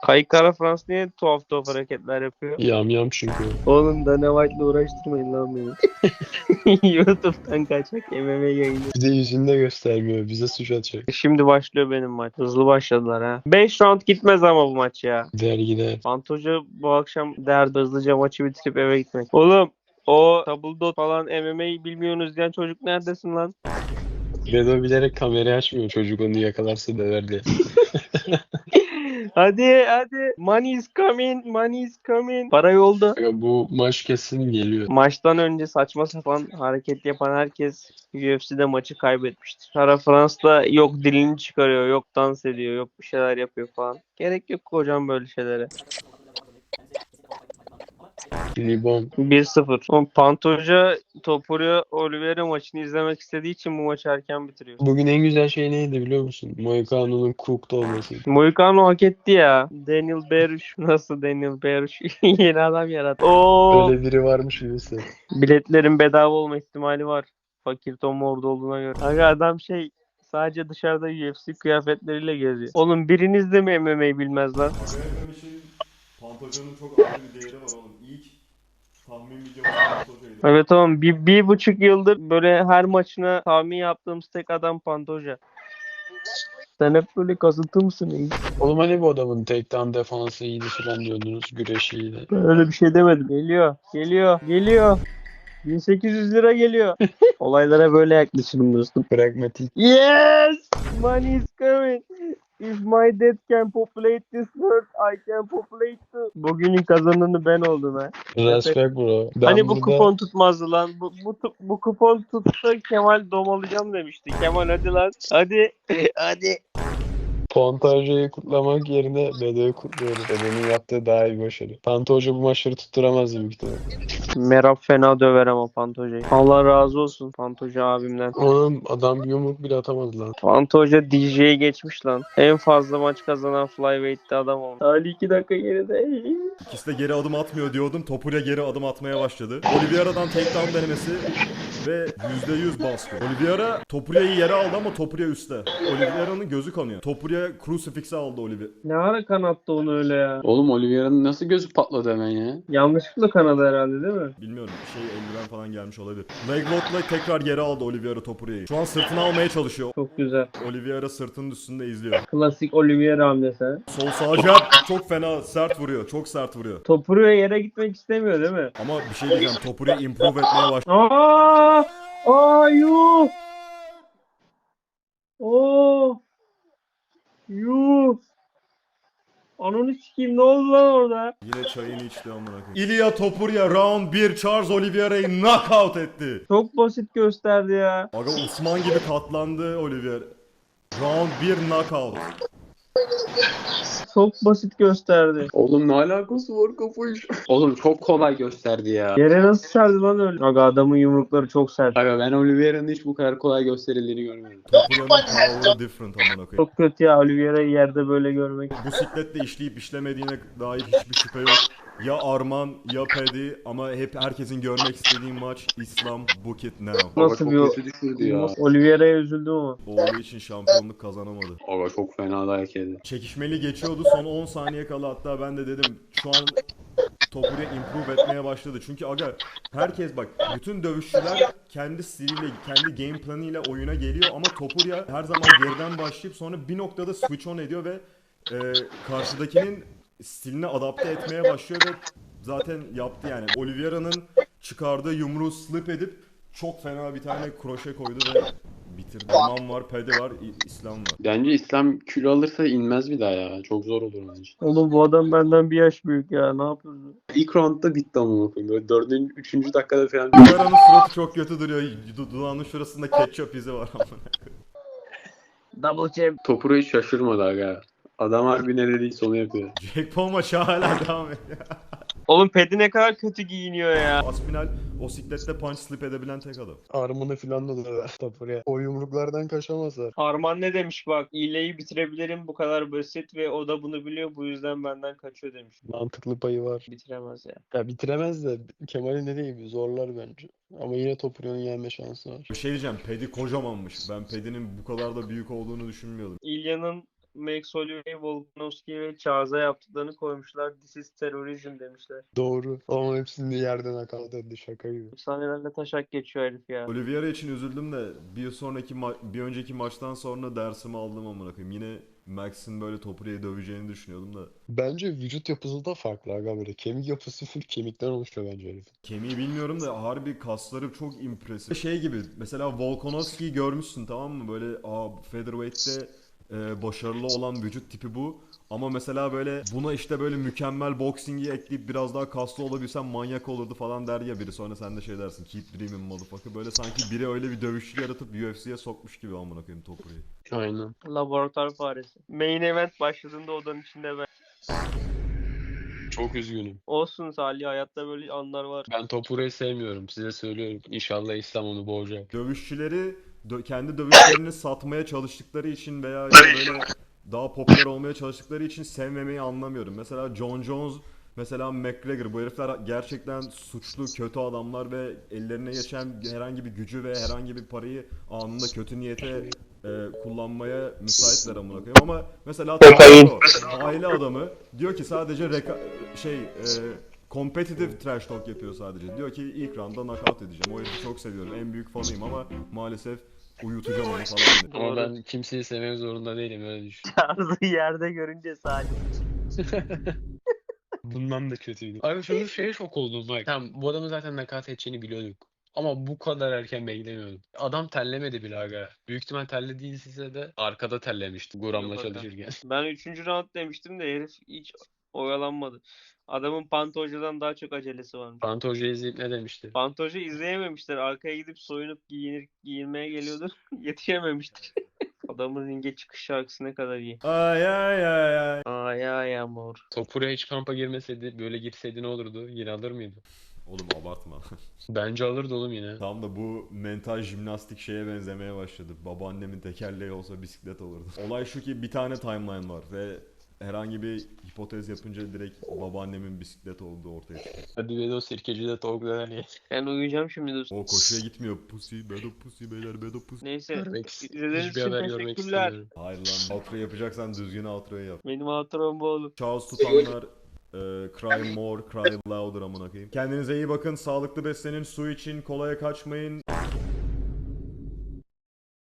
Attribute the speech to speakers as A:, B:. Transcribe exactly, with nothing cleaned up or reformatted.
A: Kayık Kara Frans niye tuhaf tuhaf hareketler yapıyor?
B: Yam yam çünkü.
A: Oğlum Dana White'la uğraştırmayın lan beni. YouTube'dan kaçak M M A yayını.
B: Bize yüzünü de göstermiyor. Bize suç atacak.
A: Şimdi başlıyor benim maç. Hızlı başladılar ha. beş round gitmez ama bu maç ya.
B: Gider gider.
A: Fantoja bu akşam derdi hızlıca maçı bitirip eve gitmek. Oğlum o Tabldot falan M M A bilmiyorsunuz diyen çocuk neredesin lan?
B: Bedo bilerek kamerayı açmıyor. Çocuk onu yakalarsa döver diye.
A: Hadi hadi. Money is coming. Money is coming. Para yolda.
B: Aga bu maç kesin geliyor.
A: Maçtan önce saçma sapan hareket yapan herkes U F C'de maçı kaybetmiştir. Kara Frans'ta yok dilini çıkarıyor, yok dans ediyor, yok bir şeyler yapıyor falan. Gerek yok hocam böyle şeylere.
B: Libon.
A: bir sıfır. O Pantoja Topuria Oliveira maçını izlemek istediği için bu maçı erken bitiriyor.
B: Bugün en güzel şey neydi biliyor musun? Moicano'nun cooked olması.
A: Moicano hak etti ya. Daniel Berush nasıl Daniel Berush yeni adam yarattı. Oo.
B: Öyle biri varmış birisi.
A: Biletlerin bedava olma ihtimali var. Fakir Tom orada olduğuna göre. Aga adam şey sadece dışarıda U F C kıyafetleriyle geziyor. Oğlum biriniz de mi M M A bilmez lan?
C: Aga şey, Pantojan'ın çok ayrı bir değeri var oğlum. İlk tahmin videomuz Pantoja'ydı.
A: Evet oğlum bir, bir buçuk yıldır böyle her maçına tahmin yaptığımız tek adam Pantoja. Sen hep böyle kasıntı mısın?
B: Oğlum hani bu adamın takedown defansı iyiydi falan diyordunuz. Güreşi iyiydi.
A: Ben öyle bir şey demedim. Geliyor, geliyor, geliyor. bin sekiz yüz lira geliyor. Olaylara böyle yaklaşırım dostum.
B: Pragmatik.
A: Yes! Money is coming. If my dad can populate this world, I can populate too. Bugünün kazananı ben oldum ha.
B: Respect bro. Ben
A: hani bu
B: burada
A: kupon tutmazdı lan. Bu, bu, tu- bu kupon tutsa Kemal domalayacağım demişti. Kemal hadi lan. Hadi. hadi.
B: Pantoja'yı kutlamak yerine Bedo'yu kutluyoruz. Bedo'nun yaptığı daha iyi bir başarı. Pantoja bu maçları tutturamazdı büyük ihtimalle.
A: Merab fena döver ama Pantoja'yı. Allah razı olsun Pantoja abimden.
B: Oğlum adam bir yumruk bile atamadı lan.
A: Pantoja D J'yi geçmiş lan. En fazla maç kazanan Flyweight'te adam oldu. Ali iki dakika geride.
C: İkisi de geri adım atmıyor diyordum. Topuria geri adım atmaya başladı. Oliveira'dan takedown denemesi ve yüzde yüz baskı. Oliveira Topuria'yı yere aldı ama Topuria üstte. Oliveira'nın gözü kanıyor. Topuria crucifix'e aldı Oliveira.
A: Ne ara kanattı onu öyle ya?
B: Oğlum Oliveira'nın nasıl gözü patladı hemen ya?
A: Yanlışlıkla kanadı herhalde değil mi?
C: Bilmiyorum şey eldiven falan gelmiş olabilir. Leg lock'la tekrar yere aldı Oliveira Topuria'yı. Şu an sırtına almaya çalışıyor.
A: Çok güzel.
C: Oliveira sırtının üstünde izliyor.
A: Klasik Oliveira hamlesi. ha.
C: Sol sağ jab çok fena sert vuruyor. Çok sert vuruyor.
A: Topuria yere gitmek istemiyor değil mi?
C: Ama bir şey diyeceğim. Topuria improve etmeye başladı.
A: Aa! Aa yuh! Oo! Yuh! Ananı sikeyim ne oldu lan orada?
C: Yine çayını içti amına koyayım. Ilia Topuria round bir Charles Oliveira'yı knockout etti.
A: Çok basit gösterdi ya.
C: Aga Osman gibi katlandı Oliveira. Round bir knockout.
A: Çok basit gösterdi.
B: Oğlum ne alakası var kafayı? Oğlum çok kolay gösterdi ya.
A: Yere nasıl serdi lan öyle? Aga adamın yumrukları çok sert.
B: Aga ben Oliveira'nın hiç bu kadar kolay gösterildiğini görmedim.
C: Topuria'nın power different amına koyayım.
A: Çok kötü ya Oliveira'yı yerde böyle görmek.
C: Bu sikletle işleyip işlemediğine dair hiçbir şüphe yok. Ya Arman ya Paddy ama hep herkesin görmek istediği maç İslam Book It Now.
A: Nasıl
B: Aga
A: bir
B: çok kötü düşürdü ya.
A: Oliveira'ya üzüldüm ama.
C: Oğlu için şampiyonluk kazanamadı.
B: Aga çok fena dayak yedi.
C: Çekişmeli geçiyordu son on saniye kala hatta ben de dedim şu an Topuria improve etmeye başladı. Çünkü aga herkes bak bütün dövüşçüler kendi stiliyle kendi game planıyla oyuna geliyor ama Topuria her zaman geriden başlayıp sonra bir noktada switch on ediyor ve e, karşıdakinin stiline adapte etmeye başlıyor ve zaten yaptı yani. Oliveira'nın çıkardığı yumruğu slip edip çok fena bir tane kroşe koydu ve bitirdi. Aman var, Pede var, İ- İslam var.
B: Bence İslam kilo alırsa inmez bir daha ya. Çok zor olur bence.
A: Oğlum bu adam benden bir yaş büyük ya ne yapıyorsun?
B: İlk roundda bitti ama bakayım. Böyle dördüncü, üçüncü dakikada falan.
C: Oliveira'nın suratı çok kötü duruyor. Du- Dudağının şurasında ketçap izi var ama.
A: Double champ.
B: Topura hiç şaşırmadı aga. Adam harbi ne dediyse onu yapıyor.
C: Jack Paul maçı hala devam ediyor.
A: Oğlum Pedi ne kadar kötü giyiniyor ya.
C: Aspinal o siklette punch slip edebilen tek adam.
B: Armını falan da döver Topura'ya. O yumruklardan kaçamazlar.
A: Arman ne demiş bak iğneyi bitirebilirim bu kadar basit ve o da bunu biliyor bu yüzden benden kaçıyor demiş.
B: Mantıklı payı var.
A: Bitiremez ya.
B: Ya bitiremez de Kemal'in dediği gibi zorlar bence. Ama yine Topura'nın yenme şansı var.
C: Bir şey diyeceğim, Pedi kocamanmış. Ben Pedi'nin bu kadar da büyük olduğunu düşünmüyordum.
A: İlya'nın Max Holloway, Volkanovski ve Charles'a yaptıklarını koymuşlar. This is terrorism demişler.
B: Doğru. Ama hepsini yerden hakaret etti şaka gibi.
A: Efsanelerle taşak geçiyor herif ya.
C: Oliveira için üzüldüm de bir sonraki ma- bir önceki maçtan sonra dersimi aldım amına koyayım. Yine Max'in böyle Topuria'yı döveceğini düşünüyordum da.
B: Bence vücut yapısı da farklı aga böyle. Kemik yapısı full kemikten oluşuyor bence herifin.
C: Kemiği bilmiyorum da harbi kasları çok impresif. Şey gibi mesela Volkanovski'yi görmüşsün tamam mı? Böyle aa featherweight'te e, başarılı olan vücut tipi bu. Ama mesela böyle buna işte böyle mükemmel boxing'i ekleyip biraz daha kaslı olabilsem manyak olurdu falan der ya biri. Sonra sen de şey dersin keep dreaming motherfucker. Böyle sanki biri öyle bir dövüşçü yaratıp U F C'ye sokmuş gibi amına koyayım Topuria'yı.
B: Aynen.
A: Laboratuvar faresi. Main event başladığında odanın içinde ben.
B: Çok üzgünüm.
A: Olsun Salih, hayatta böyle anlar var.
B: Ben Topure'yi sevmiyorum. Size söylüyorum. İnşallah İslam onu boğacak.
C: Dövüşçüleri dö- kendi dövüşlerini satmaya çalıştıkları için veya işte böyle daha popüler olmaya çalıştıkları için sevmemeyi anlamıyorum. Mesela Jon Jones, mesela McGregor, bu herifler gerçekten suçlu, kötü adamlar ve ellerine geçen herhangi bir gücü ve herhangi bir parayı anında kötü niyete e, kullanmaya müsaitler amına koyayım. Ama mesela Taco, aile adamı diyor ki sadece reka- şey e, competitive trash talk yapıyor sadece. Diyor ki ilk roundda knockout edeceğim. O herifi çok seviyorum. En büyük fanıyım ama maalesef uyutacağım onu falan diyor.
B: Ama
A: Doğru.
B: ben kimseyi sevmek zorunda değilim öyle düşün.
A: Tarzı yerde görünce Salih.
B: Bundan da kötüydü. Abi şunu şeye şok oldum bak. Tamam bu adamın zaten nakaat edeceğini biliyorduk. Ama bu kadar erken beklemiyordum. Adam terlemedi bile aga. Büyük ihtimal terlediyse de arkada terlemişti Guram'la
A: Yok aga.
B: çalışırken.
A: Ben üçüncü round demiştim de herif hiç oyalanmadı. Adamın Pantoja'dan daha çok acelesi varmış.
B: Pantoja izleyip ne demişti?
A: Pantoja izleyememişler. Arkaya gidip soyunup giyinir, giyinmeye geliyordu. Yetişememiştir. Adamın ringe çıkış şarkısı ne kadar iyi.
C: Ay ay ay ay.
A: Ay ay amor.
B: Topura hiç kampa girmeseydi böyle girseydi ne olurdu? Yine alır mıydı?
C: Oğlum abartma.
B: Bence alırdı oğlum yine.
C: Tam da bu mental jimnastik şeye benzemeye başladı. Babaannemin tekerleği olsa bisiklet olurdu. Olay şu ki bir tane timeline var ve herhangi bir hipotez yapınca direkt babaannemin bisiklet olduğu ortaya çıkıyor.
B: Hadi Vedo sirkeci de tavuklar hani.
A: Ben uyuyacağım şimdi dostum.
C: O koşuya gitmiyor. Pussy, bedo pussy, beyler bedo pussy.
A: Neyse.
B: Görmek ist-
A: İzlediğiniz
B: Hiçbir
A: için
B: haber görmek
A: teşekkürler.
B: istemiyorum.
C: Hayır lan. Outro yapacaksan düzgün outro'yu yap.
A: Benim hatıram bu oğlum.
C: Charles tutanlar e, cry more, cry louder amına koyayım. Kendinize iyi bakın, sağlıklı beslenin, su için, kolaya kaçmayın.